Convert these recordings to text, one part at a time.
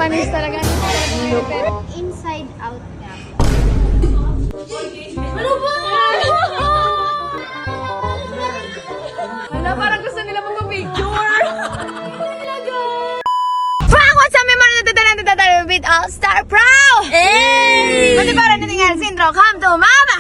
Panis talaga. Inside out nga. Ano ba? Ano, parang gusto nila magpa-picture. Frank, what's up, mga natatalang with All-Star Pro? Hey! Pati parang natingan, Sindro, come to mama!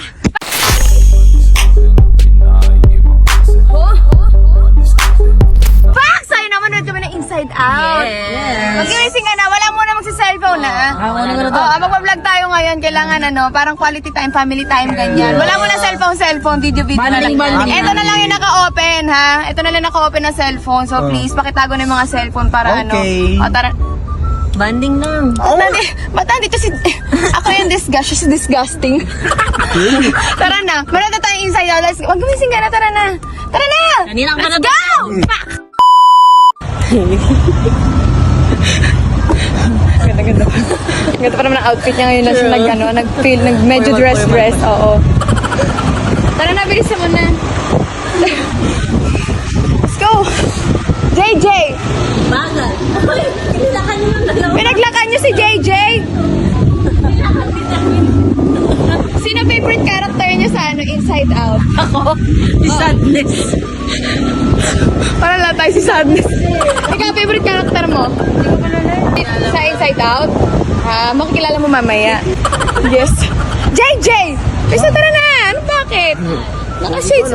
Frank, sa'yo naman, nanood kami ng Inside Out. Yes. Mag-iwising ka na, wala muna magsa-cellphone na. Magpa-vlog tayo ngayon, kailangan parang quality time, family time, ganyan. Wala muna cellphone, video na lang. Ito na lang yung naka-open, ha? Ito na lang naka-open na cellphone. So please, pakitago na yung mga cellphone para O, tara. Banding lang. Ba't nandito si... Ako yung disgust, she's disgusting. Tara na, manood na tayo Inside Out. Mag-gumising ka na, tara na. Tara na! Kanina ka na Let's go! Ganda pa. Ganda pa naman ang outfit niya ngayon na nag-feel, medyo dress, oo. Tara na, bilisan mo na. Let's go! JJ! Bagal. Pinaglakad niyo yung dalawa. Pinaglakad niyo si JJ? Sino favorite character niyo sa Inside Out? Ako, si Sadness. Para lang tayo si Sadness. Ikaw, favorite character mo? Sa Inside Out? Makikilala mo mamaya. Yes. JJ! Bisa, tara na! Ano, bakit? Naka-shades.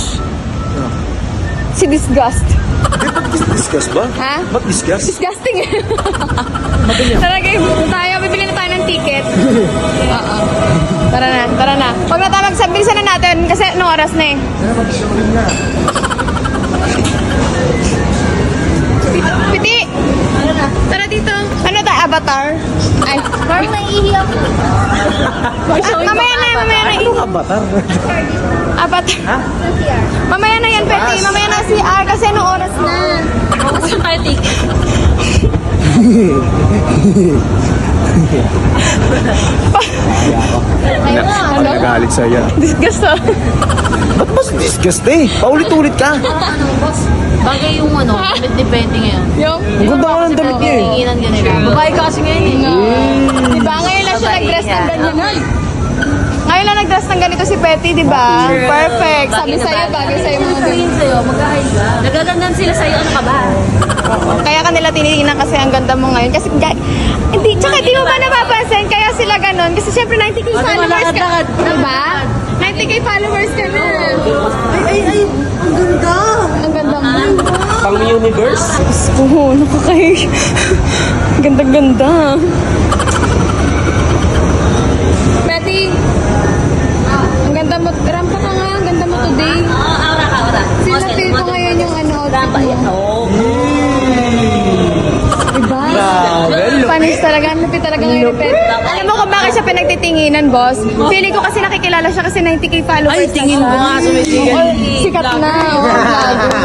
Si Disgust. Discuss ba? Ha? Ba't discuss? Disgusting eh. Tara game, tayo. Bibili na tayo ng ticket. Oo. Tara na. Huwag na tayo bilisan na natin kasi anong oras na eh. Piti! Tara dito. Ano tayo? Avatar? Ay. Parang naiihi ako. Mamaya na. Anong avatar? Avatar. Mamaya na yan, Peti. Mamaya na si R kasi anong oras na. Gusto tayo ticket. Ano nagalit sa'yo? Disgust ah. Ba't mas discuss eh? Paulit-ulit ka. Bagay yung depende ngayon. Yung? Ang ganda ko ng damit niya eh. Tinginan ka nila. Babae ka kasi ngayon eh. Diba? Ngayon lang siya nag-dress ng ganyan. Ngayon lang nag-dress ng ganito si Petty, diba? Perfect. Sabi sa'yo, bagay sa'yo mga ganito. Sabihin sa'yo, mag-ahid ka. Nagagandaan sila sa'yo, ano ka ba? Kaya kanila tinitingnan kasi ang ganda mo ngayon. Kasi, tsaka di mo ba napapansin? Kaya sila ganon. Kasi syempre 90k followers ka. Diba? 90k followers ka na. Ay, ang ganda. Ang ganda mo. Pang universe? Oo, nakakay. Ganda-ganda. Betty, ang ganda mo. Rampa ka nga, ang ganda mo today. Aura ka, aura. Sinapil ko ngayon yung Rampa yan. outfit mo. Diba? Grabe. Panis talaga, lupit talaga ngayon ni Pet. Alam mo kung bakit siya pinagtitinginan, boss? Feeling ko kasi nakikilala siya kasi 90k followers. Ay, tingin na ko siya. nga sa may tingin. Oo, sikat na. Vlogger.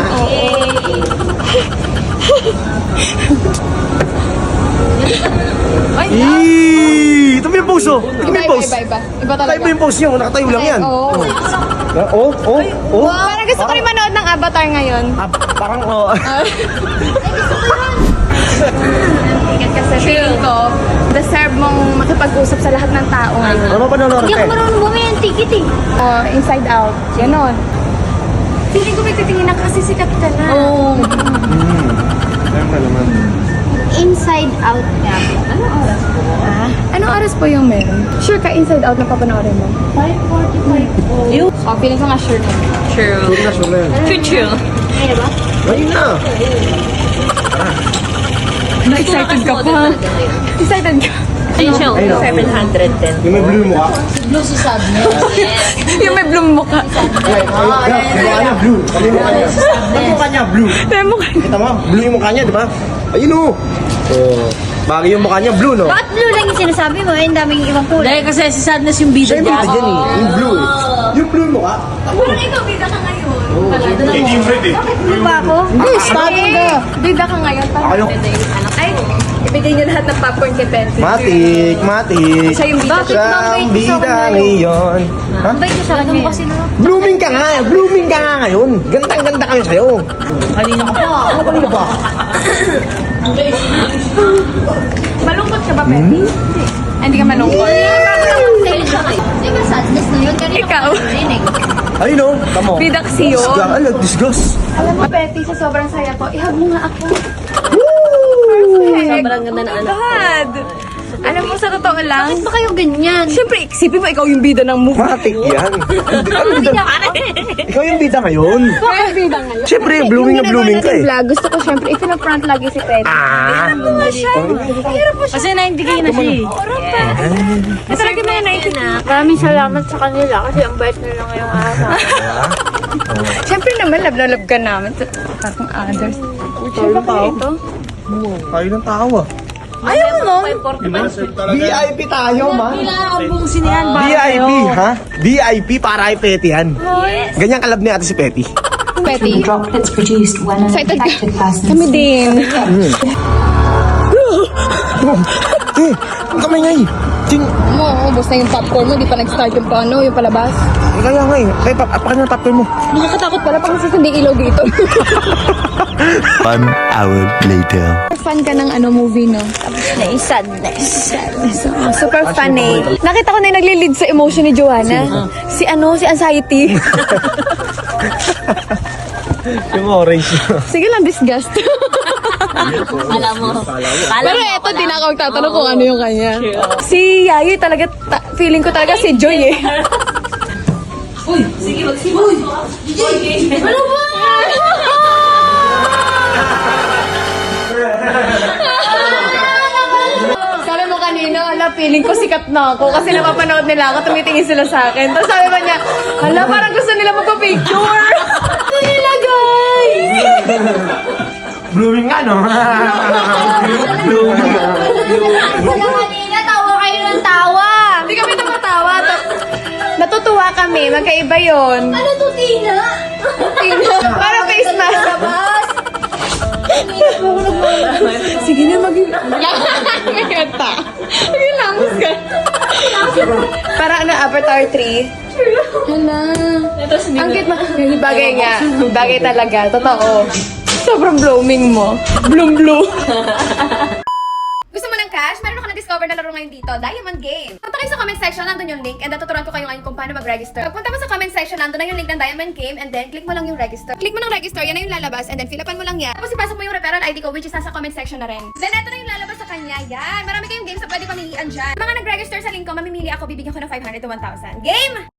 Ay, Ito mo yung pose oh. Ito mo yung pose. Iba talaga. Tayo mo yung pose niyo. Nakatayo lang yan. Oo. Oh. Parang gusto ko rin manood ng Avatar ngayon. Parang oh. Kasi feeling ko, deserve mong makipag-usap sa lahat ng tao ngayon. Ano pa nanonood Hindi ako eh? marunong bumili ng ticket eh. Inside Out. Ganon. Feeling ko may titingin kasi sikat ka na. Oo. Naman. Inside out nga. Anong oras po? Anong oras po yung meron? Sure ka, Inside Out na papanoorin mo? 5:45 po. You? Feeling ko nga sure ka. True. Sure na yan. True. Ayun ba? Ayun na. Na-excited ka pa. Excited ka. Ayun siya, 710. Yung may blue mo ka. Yung may bloom mukha. Yung mukha niya blue. Yung mukha niya. Yung mukha niya blue. May mukha. Kita mo, blue yung mukha niya, di ba? Ayun oh. Oh. Bagay yung mukha niya blue, no? Bakit blue lang yung sinasabi mo? Ang daming ibang kulay. Dahil kasi si Sadness yung bida Siya yung niya. bida dyan eh. Yung blue eh. Yung blue yung mukha. Parang ikaw, bida ka ngayon. Blue ba ako? Hindi, starting ka. Bida ka ngayon. Ayaw. Ay, ibigay niyo lahat ng popcorn kay Pensi. Matik. Siya yung bida. Bakit Sa mabait bida sa kanya? ngayon. Ha? Mabait ka sa kanya. Kasi Blooming ka nga. Blooming ka nga ngayon. Gandang-ganda kami sa'yo. Kanina ko pa. Ano kanina ba? Malungkot ka ba, Betty? Hindi ka malungkot. Di ba sadness na yun? Kanina Ikaw. ko narinig. Ayun o, tamo. Bidaksiyo. Disgust. Alam mo, Betty, sa sobrang saya ko, ihag mo nga ako. Sobrang ganda na anak. God! Alam mo, sa totoo lang, Bakit ba kayo ganyan? siyempre, isipin mo, ikaw yung bida ng movie. Matik yan. Ikaw yung bida ngayon. Bakit bida ngayon? Siyempre, blooming na blooming ka eh. Vlog, gusto ko siyempre, ipina-front lagi si Petty. Ah! Kasi naintigay na siya. Kasi lagi mga naintigay. Maraming salamat sa kanila kasi ang bait nila ngayong araw. Siyempre naman, love na love ka namin. Parang others. Siyempre ba ito? Kayo ng tawa. Ayaw mo, VIP tayo, ma. Ang sinihan ba? VIP, ha? VIP para kay Petty yan. Ganyan kalab ni ate si Petty. Petty. drop that's produced when an Excited ka? affected person Kami din. Eh, ang kamay nga eh. Ting, Mo, ubos na yung popcorn mo, di pa nag-start yung paano, yung palabas. kaya nga eh. Kaya apakan na tapper mo. Nakakatakot pala pag nasasindi ilaw dito. 1 hour later. Fan ka ng movie, no? Sadness. Super funny. Nakita ko na yung nagli-lead sa emotion ni Joanna. Si anxiety. Yung orange. Sige lang, disgust. Alam mo. Pero eto, di na ako magtatanong kung ano yung kanya. Si Yayoy talaga, feeling ko talaga si Joy eh. Sige, magsimul. Ano ba? Sabi mo kanina, feeling ko sikat na ako kasi napapanood nila ako, tumitingin sila sa akin. Tapos sabi ba niya, parang gusto nila magpa-picture. Ano nila, guys? Blooming nga, no? Blooming. Wala kanina, tawa kayo ng tawa. Hindi kami napatawa. Natutuwa kami, magkaiba yun. Ano to, Tina? Parang face mask. Sige na, mag-kanta. Mag-langus ka. Para Avatar 3. Hala. Ang cute mo. Bagay nga. Bagay talaga. Totoo. Sobrang blooming mo. Bloom. Gusto mo ng cash? Meron ako na-discover na laro ngayon dito, Diamond Game. Punta kayo sa comment section, nandun yung link, and tuturuan ko kayo ngayon kung paano mag-register. Pagpunta mo sa comment section, nandun na yung link ng Diamond Game, and then click mo lang yung register. Click mo ng register, yan na yung lalabas, and then fill upan mo lang yan. Tapos ipasok mo yung referral ID ko, which is nasa comment section na rin. Then eto na yung lalabas sa kanya, yan. Marami kayong games na pwede pamilian dyan. Mga nag-register sa link ko, mamimili ako, bibigyan ko ng 500 to 1,000. Game!